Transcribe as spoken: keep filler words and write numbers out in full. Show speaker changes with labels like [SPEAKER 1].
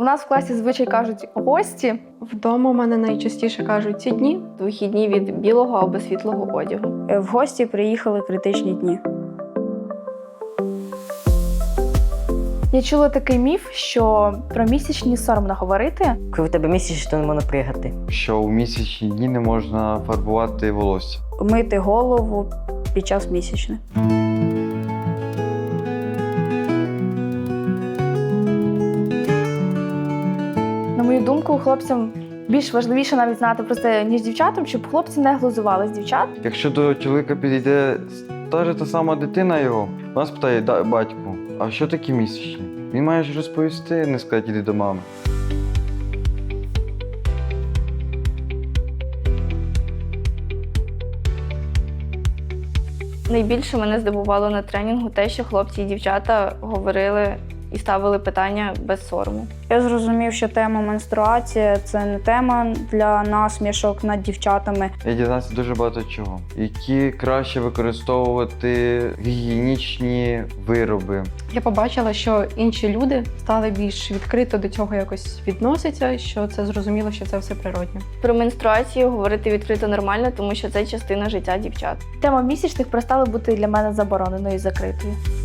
[SPEAKER 1] У нас в класі звичай кажуть гості.
[SPEAKER 2] Вдома в мене найчастіше кажуть ці дні.
[SPEAKER 1] Вихідні від білого або світлого одягу.
[SPEAKER 3] В гості приїхали критичні дні.
[SPEAKER 1] Я чула такий міф, що про місячні соромно говорити.
[SPEAKER 4] Коли в тебе місяць, то не можна приїхати.
[SPEAKER 5] Що у місячні дні не можна фарбувати волосся.
[SPEAKER 3] Мити голову під час місячних.
[SPEAKER 1] На мою думку, хлопцям більш важливіше навіть знати про це, ніж дівчатам, щоб хлопці не глузували з дівчат.
[SPEAKER 5] Якщо до чоловіка підійде та ж та сама дитина його, вона спитає: «Да, батьку, а що таке місячні?» Він має ж розповісти, не сказати: «Іди до мами».
[SPEAKER 1] Найбільше мене здивувало на тренінгу те, що хлопці і дівчата говорили і ставили питання без сорому.
[SPEAKER 3] Я зрозумів, що тема менструації – це не тема для насмішок над дівчатами.
[SPEAKER 5] Я дізнався дуже багато чого. Які краще використовувати гігієнічні вироби.
[SPEAKER 2] Я побачила, що інші люди стали більш відкрито до цього якось відносяться, що це зрозуміло, що це все природньо.
[SPEAKER 1] Про менструацію говорити відкрито нормально, тому що це частина життя дівчат. Тема місячних перестала бути для мене забороненою і закритою.